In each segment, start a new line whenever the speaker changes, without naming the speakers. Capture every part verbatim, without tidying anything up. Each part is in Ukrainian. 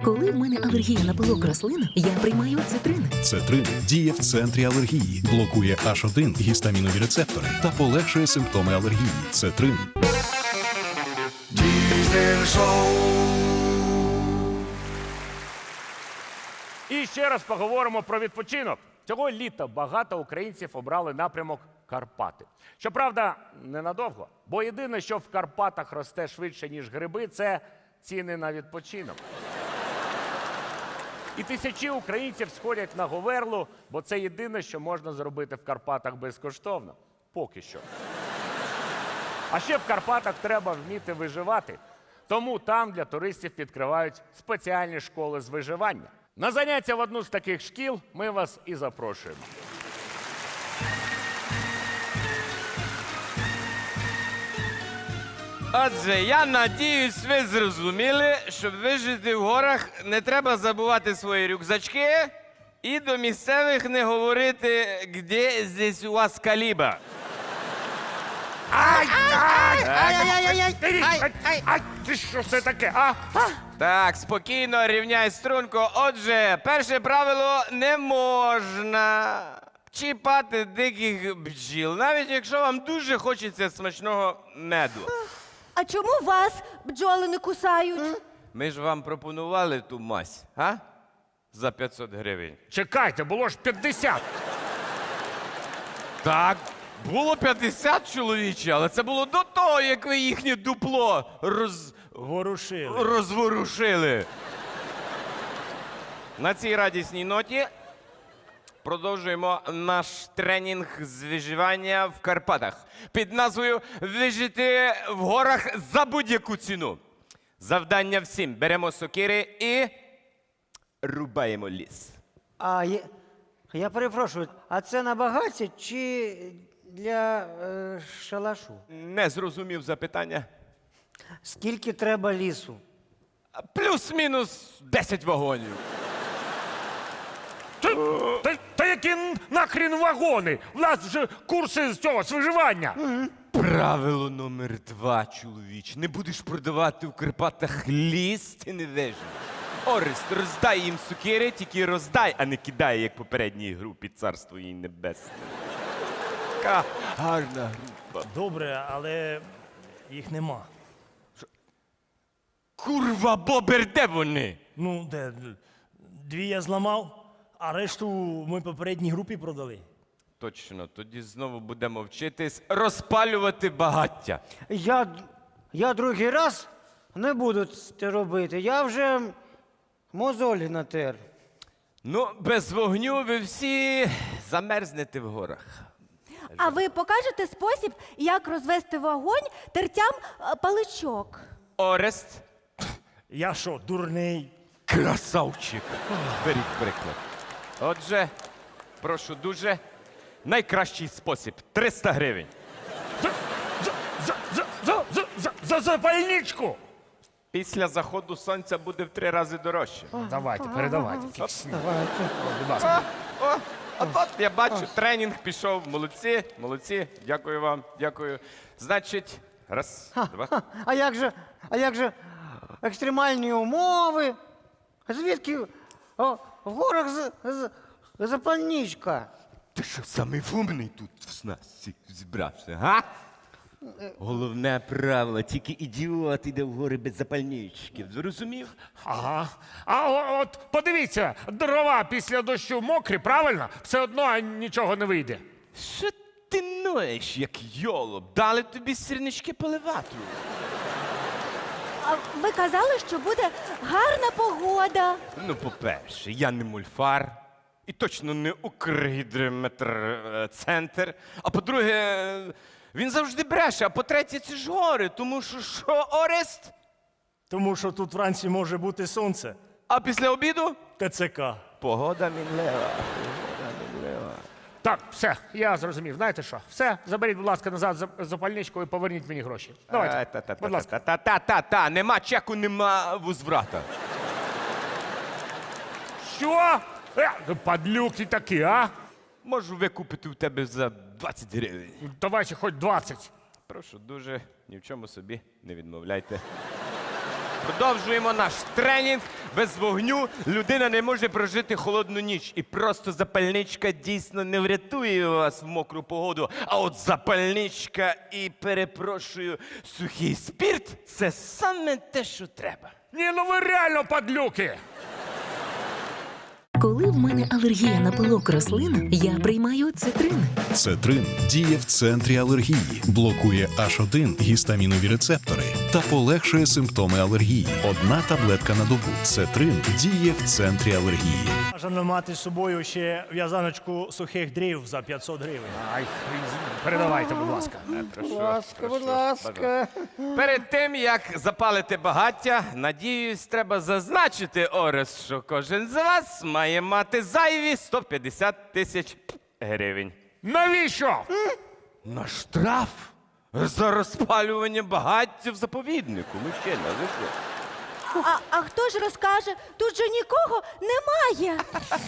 Коли в мене алергія на пилок рослин, я приймаю цитрин.
Цетрин діє в центрі алергії, блокує аш один гістамінові рецептори та полегшує симптоми алергії. Цетрин.
Diesel Show.
І ще раз поговоримо про відпочинок. Цього літа багато українців обрали напрямок Карпати. Щоправда, ненадовго. Бо єдине, що в Карпатах росте швидше, ніж гриби, це ціни на відпочинок. І тисячі українців сходять на Говерлу, бо це єдине, що можна зробити в Карпатах безкоштовно. Поки що. А ще в Карпатах треба вміти виживати. Тому там для туристів відкривають спеціальні школи з виживання. На заняття в одну з таких шкіл ми вас і запрошуємо.
Отже, я надіюсь, ви зрозуміли, щоб вижити в горах, не треба забувати свої рюкзачки і до місцевих не говорити, де здесь у вас каліба.
Ай, ай, ай, ай, ай, ай, ай, ай, ти що це таке, а?
Так, спокійно, рівняй струнку. Отже, перше правило – не можна чіпати диких бджіл, навіть якщо вам дуже хочеться смачного меду.
А чому вас бджоли не кусають?
Ми ж вам пропонували ту мазь, а? За п'ятсот гривень.
Чекайте, було ж п'ятдесят.
Так, було п'ятдесят чоловіче, але це було до того, як ви їхнє дупло роз...
Ворушили.
розворушили. На цій радісній ноті продовжуємо наш тренінг з виживання в Карпатах під назвою «Вижити в горах за будь-яку ціну». Завдання всім. Беремо сокири і рубаємо ліс.
А я, я перепрошую, а це на багаття чи для е, шалашу?
Не зрозумів запитання.
Скільки треба лісу?
Плюс-мінус десять вагонів.
Та, та, та які нахрін вагони? У нас вже курси з цього, з виживання.
Правило номер два, чоловіч. Не будеш продавати в Карпатах ліс, ти не виживеш. Орест, роздай їм сокири, тільки роздай, а не кидай, як попередній групі «Царство їй небесне». Така гарна група.
Добре, але їх нема.
Курва, бобер, де вони?
Ну, де? Дві я зламав, а решту ми попередній групі продали.
Точно, тоді знову будемо вчитись розпалювати багаття.
Я, я другий раз не буду це робити. Я вже мозолі натер.
Ну, без вогню ви всі замерзнете в горах.
А ви покажете спосіб, як розвести вогонь тертям е, паличок?
Орест,
Я що, дурний?
красавчик. Беріть приклад. Отже, прошу дуже, найкращий спосіб – триста гривень.
За, за, за, за, за, за, за, за запальничку.
Після заходу сонця буде в три рази дорожче.
Давайте, передавайте.
Давайте.
Будь ласка.
О, от, от я бачу, тренінг пішов. Молодці, молодці. Дякую вам, дякую. Значить, раз, два.
А як же, а як же екстремальні умови? Звідки о, в горах з, з, запальничка?
Ти що, самий умний тут в нас всіх зібрався, га? Головне правило, тільки ідіот іде в гори без запальнички. Зрозумів?
Ага. А о- от подивіться, дрова після дощу мокрі, правильно? Все одно нічого не вийде.
Що ти ноєш, як йолоп? Дали тобі сірнички поливати.
А ви казали, що буде гарна погода.
Ну, по-перше, я не мульфар. І точно не Укргідрометцентр. А по-друге, він завжди бреше. А по-третє, це ж гори. Тому що що, Орест?
Тому що тут вранці може бути сонце.
А після обіду?
ТЦК.
Погода мінлева.
Так, все, я зрозумів. Знаєте що? Все, заберіть, будь ласка, назад за- запальничку і поверніть мені гроші. Давайте, будь ласка.
Та-та-та-та-та, нема чеку, нема возврата.
Що? Е, падлюки такі, а?
Можу викупити у тебе за двадцять гривень.
Давайте хоч двадцять.
Прошу дуже, ні в чому собі не відмовляйте. Продовжуємо наш тренінг. Без вогню людина не може прожити холодну ніч. І просто запальничка дійсно не врятує вас в мокру погоду. А от запальничка і, перепрошую, сухий спірт – це саме те, що треба.
Ні, ну ви реально падлюки!
Коли в мене алергія на пилок рослин, я приймаю цитрин.
Цетрин діє в центрі алергії, блокує аш один гістамінові рецептори та полегшує симптоми алергії. Одна таблетка на добу. Цетрин діє в центрі алергії.
Бажано мати з собою ще в'язаночку сухих дрів за п'ятсот гривень.
Ай, передавайте, будь ласка.
Будь ласка, будь ласка.
Перед тим, як запалити багаття, надіюсь, треба зазначити, Орес, що кожен з вас має мати зайві сто п'ятдесят тисяч гривень.
Навіщо?
На штраф за розпалювання багаття в заповіднику. Мужчина, ви що?
А, а хто ж розкаже? Тут же нікого немає.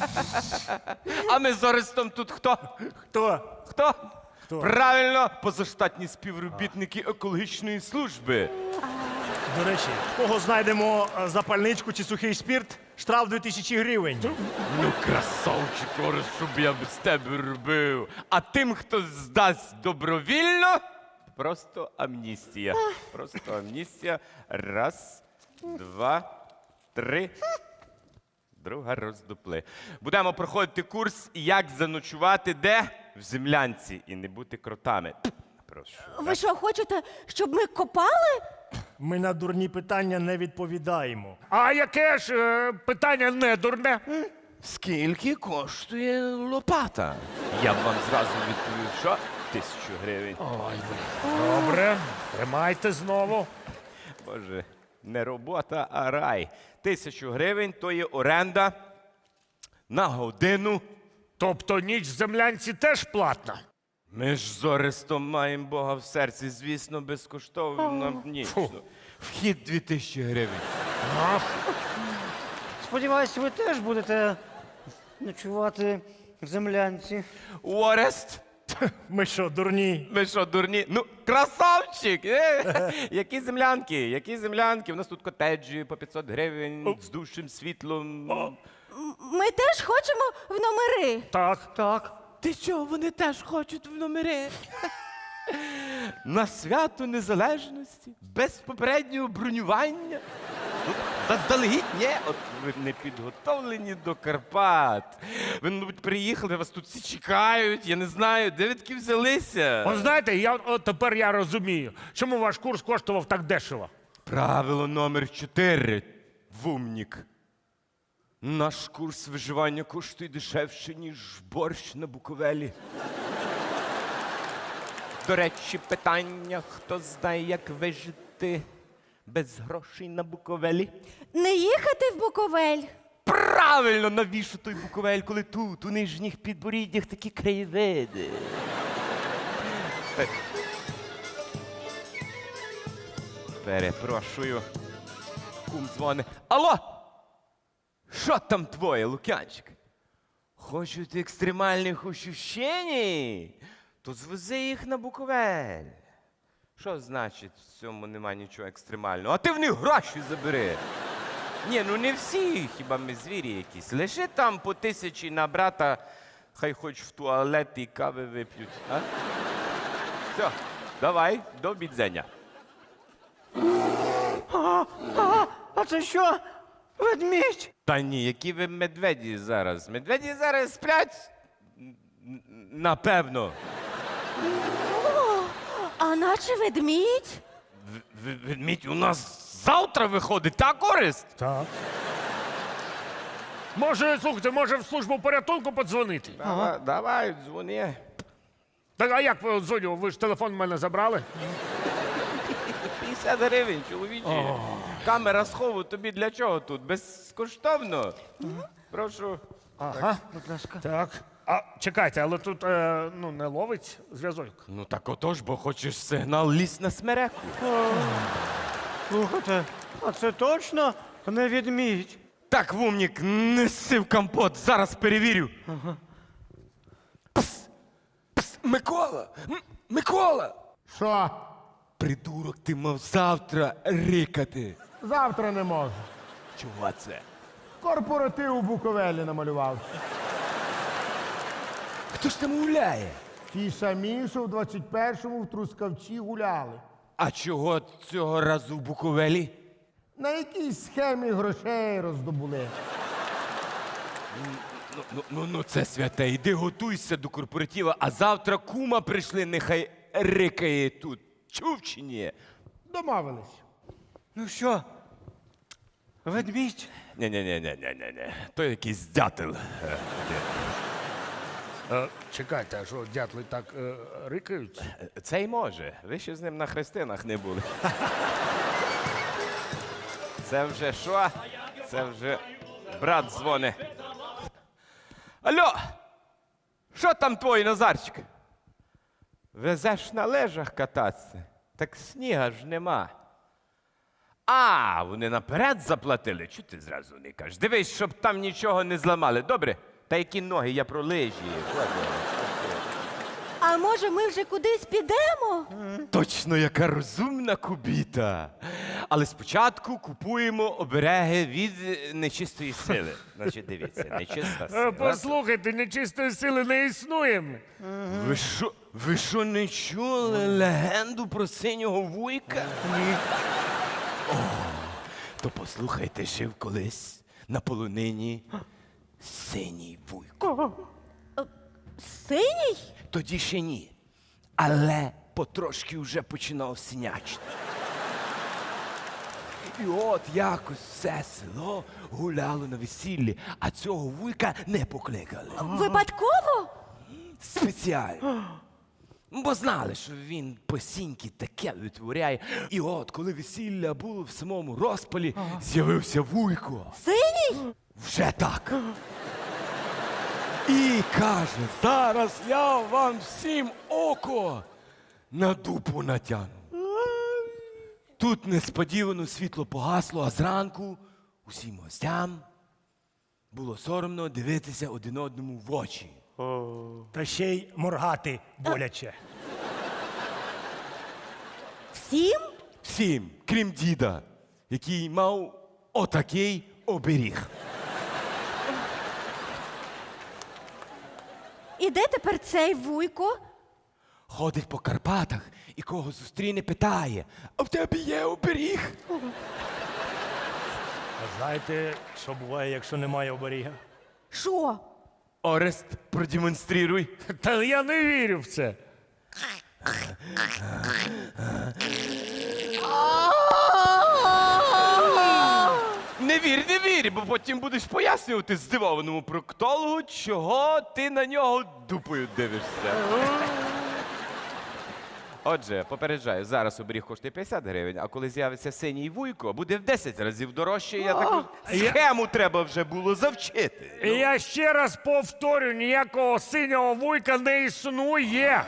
А ми з Орестом тут хто?
Хто?
Хто? Правильно, позаштатні співробітники екологічної служби.
До речі, в кого знайдемо е, запальничку чи сухий спірт, штраф дві тисячі гривень.
Ну, красавчик, Орес, що б я без тебе робив. А тим, хто здасть добровільно, просто амністія. Просто амністія. Раз, два, три. Друга роздупли. Будемо проходити курс, як заночувати де? В землянці і не бути кротами. Прошу.
Ви що, хочете, щоб ми копали?
Ми на дурні питання не відповідаємо.
А яке ж е, питання не дурне?
Скільки коштує лопата? Я б вам зразу відповів, що тисячу гривень.
Добре, тримайте знову.
Боже, не робота, а рай. Тисячу гривень то є оренда на годину.
Тобто ніч в землянці теж платна?
Ми ж з Орестом маємо Бога в серці, звісно, безкоштовно ніч. Вхід дві тисячі гривень.
Сподіваюсь, ви теж будете ночувати в землянці.
Орест,
Ми що, дурні?
ви що, дурні? Ну, красавчик! Е? Які землянки? Які землянки? У нас тут котеджі по п'ятсот гривень з душем, світлом.
Ми теж хочемо в номери.
Так.
Так.
Ти що, вони теж хочуть в номери? На свято Незалежності, без попереднього бронювання. Ну, заздалегідь, ні, от ви не підготовлені до Карпат. Ви, мабуть, приїхали, вас тут всі чекають, я не знаю, де ви таки взялися?
От знаєте, я от тепер я розумію, чому ваш курс коштував так дешево.
Правило номер чотири. Вумнік. Наш курс виживання коштує дешевше, ніж борщ на Буковелі. До речі, питання, хто знає, як вижити без грошей на Буковелі?
Не їхати в Буковель.
Правильно, навіщо той Буковель, коли тут, у нижніх підборіддях, такі краєвиди? Пе- Перепрошую. Кум дзвони. Алло! Що там твоє, Лук'янчик? Хочуть екстремальних ощущень? То звези їх на Буковель. Що значить, в цьому нема нічого екстремального? А ти в них гроші забери. Ні, ну не всі, хіба ми звірі якісь. Лише там по тисячі на брата, хай хоч в туалет і кави вип'ють. А? Все, давай, до бідзення.
А, а, а це що? Ведмідь?
Та ні, які ви медведі зараз? Медведі зараз сплять? Н- н- Напевно.
А наче ведмідь?
В- в- Ведмідь у нас завтра виходить, так, Орест?
Так. Може, слухайте, може в службу порятунку подзвонити?
Давай, давай, дзвони.
Так, а як ви дзвоню? Ви ж телефон в мене забрали?
п'ятдесят гривень, чоловічі. Камера схову тобі для чого тут? Безкоштовно? Прошу.
Ага.
Будь ласка.
Так. А чекайте, але тут е, ну, не ловить зв'язок.
Ну так отож, бо хочеш сигнал, лізь на смереку.
Слухайте, а це точно не ведмідь?
Так, Вумнік, неси в компот, зараз перевірю. Ага. Пс, пс, Микола! М- Микола!
Що?
Придурок, ти мав завтра рикати.
Завтра не можу.
Чого це?
Корпоратив у Буковелі намалював.
Хто ж там гуляє?
Ті самі, що в двадцять першому в Трускавці гуляли.
А чого цього разу в Буковелі?
На якійсь схемі грошей роздобули.
Ну, ну, ну, ну це святе, іди готуйся до корпоратива, а завтра кума прийшли, нехай рикає тут. Чув чи ні?
Домовились.
Ну що? Ведмідь? Ні-ні-ні-ні-ні-ні. То якийсь дятел. Е,
Е, чекайте, а що дятли так е, рикають?
де. Це й може. Ви ще з ним на хрестинах не були. Це вже що? Це вже брат дзвони. Алло! Що там твій Назарчик? Везеш на лежах кататися? Так сніга ж нема. А, вони наперед заплатили. Чого ти зразу не кажеш? Дивись, щоб там нічого не зламали. Добре? Та які ноги, я про лижі.
А може, ми вже кудись підемо?
Точно, яка розумна кубіта. Але спочатку купуємо обереги від е, нечистої сили. Значить, дивіться, нечиста
Е,
сила.
послухайте, нечистої сили не існує.
Ви що, ви що не чули легенду про синього вуйка? Ні. О, то послухайте, жив колись на полонині синій вуйко.
Синій?
Тоді ще ні. Але потрошки вже починав синячити. І от якось все село гуляло на весіллі, а цього вуйка не покликали.
Випадково?
Спеціально. Бо знали, що він посіньки таке витворяє. І от, коли весілля було в самому розпалі, з'явився вуйко.
Синій?
Вже так. І каже, зараз я вам всім око на дупу натягну. Тут несподівано світло погасло, а зранку усім гостям було соромно дивитися один одному в очі.
Та ще й моргати боляче.
Всім?
Всім, крім діда, який мав отакий оберіг.
І де тепер цей вуйко?
Ходить по Карпатах і кого зустріне, питає, а в тебе є оберіг?
А знаєте, що буває, якщо немає оберіга?
Що?
Орест, продемонструй.
Та я не вірю в це.
Не вір, не вір, бо потім будеш пояснювати здивованому проктологу, чого ти на нього дупою дивишся. Отже, попереджаю, зараз оберіг коштує п'ятдесят гривень, а коли з'явиться синій вуйко, буде в десять разів дорожче. Я таку схему треба вже було завчити.
І я ще раз повторю, ніякого синього вуйка не існує.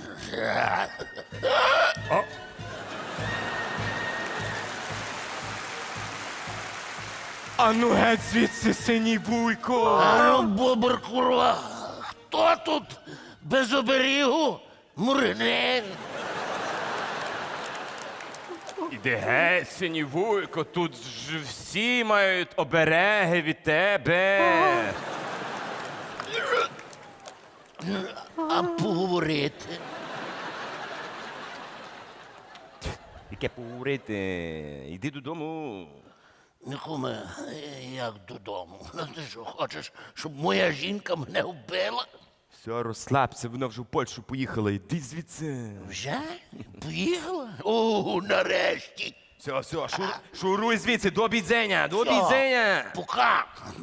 А ну геть звідси, синій вуйко!
Ану, бобр, курва! Хто тут без оберігу? Муринер!
Іди геть, синій вуйко, тут ж всі мають обереги від тебе.
А поговорити?
Яке поговорити? Йди додому.
Нікуме, як додому? Ну ти що, хочеш, щоб моя жінка мене вбила?
Все, розслабся, вона вже в Польщу поїхала. Йди звідси.
Вже? Поїхала? О, нарешті!
Все, все, шур, шуруй звідси, до обідзення, до обідзення.
Пока!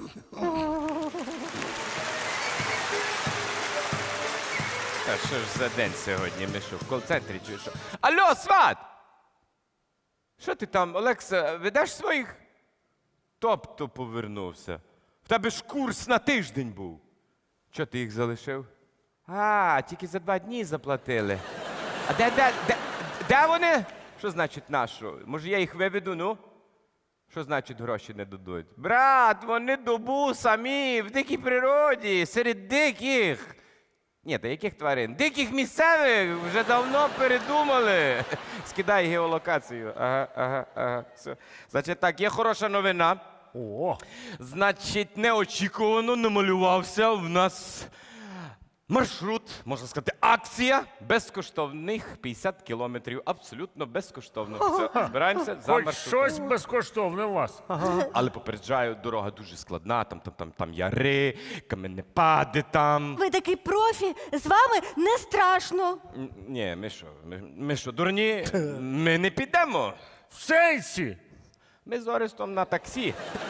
Та що ж за день сьогодні? Ми що, в кол-центрі чи що? Алло, сват! Що ти там, Олекса, ведеш своїх? Тобто повернувся. В тебе ж курс на тиждень був. Чого ти їх залишив? А, тільки за два дні заплатили. А де, де, де, де вони? Що значить нашу? Може, я їх виведу, ну? Що значить гроші не дадуть? Брат, вони добу самі, в дикій природі, серед диких. Ні, та яких тварин? Диких місцевих вже давно передумали. Скидай геолокацію. Ага, ага, ага. Все. Значить так, є хороша новина.
О,
Значить, неочікувано намалювався в нас маршрут, можна сказати, акція безкоштовних п'ятдесят кілометрів. Абсолютно безкоштовно. Все, збираємося за
хоч
маршрутом.
щось безкоштовне у вас.
Але попереджаю, дорога дуже складна, там, там, там, там яри, каменепади там.
Ви такий профі, з вами не страшно.
Н- Ні, ми що, ми, ми що, дурні? Ми не підемо.
В сенсі.
Ми з Орестом на таксі.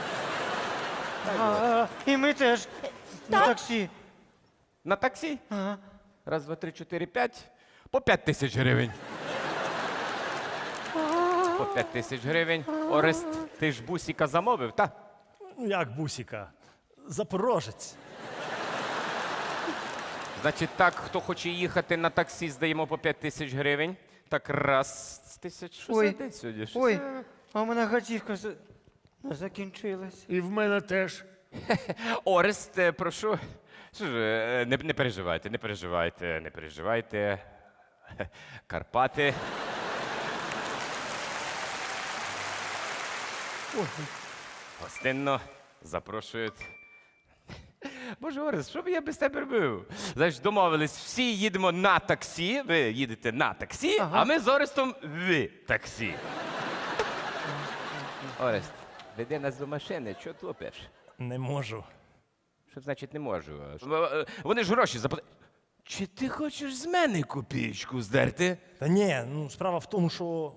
А, і ми теж на таксі.
На таксі? Раз, два, три, чотири, п'ять. По п'ять тисяч гривень. По п'ять тисяч гривень. Орест, ти ж бусіка замовив, та?
Ну, як бусіка? Запорожець.
Значить так, хто хоче їхати на таксі, здаємо по п'ять тисяч гривень. Так, раз, тисяч, що
Ой,
за день сьогодні? Що
Ой,
за-
а в мене готівка за- закінчилась.
І в мене теж.
Орест, е, прошу. Що ж, е, не, не переживайте, не переживайте, не переживайте. Карпати. Гостинно запрошують. Боже, Орест, що б я без тебе робив? Знаєш, домовились, всі їдемо на таксі, ви їдете на таксі, а ми з Орестом в таксі. Орест, веди нас до машини, чого топиш?
Не можу.
Що значить не можу? В- Вони ж гроші заплатили. Чи ти хочеш з мене копійку здерти?
Та ні, ну справа в тому, що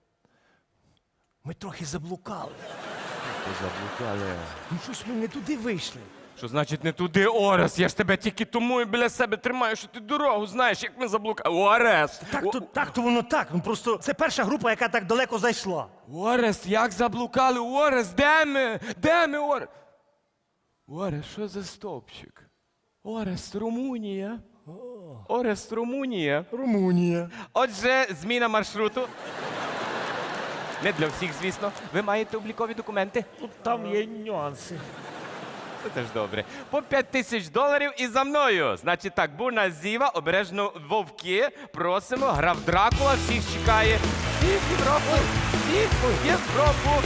ми трохи заблукали.
Ти заблукали.
Ну щось ми не туди вийшли.
Що значить не туди, Орес? Я ж тебе тільки тому і біля себе тримаю, що ти дорогу знаєш, як ми заблукали. Орес!
Так то, так то воно так. Ну просто це перша група, яка так далеко зайшла.
Орес, як заблукали? Орес, де ми? Де ми, Орес? Орес, що за стовпчик? Орес, Румунія. Орес, Румунія.
Румунія.
Отже, зміна маршруту. Не для всіх, звісно. Ви маєте облікові документи.
Тут там є нюанси.
Ну, це ж добре. По п'ять тисяч доларів і за мною. Значить так, бурна зіва, обережно вовки. Просимо, граф Дракула всіх чекає. Всіх в Європу! Всіх в Європу!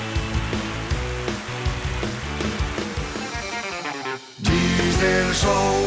Diesel Show.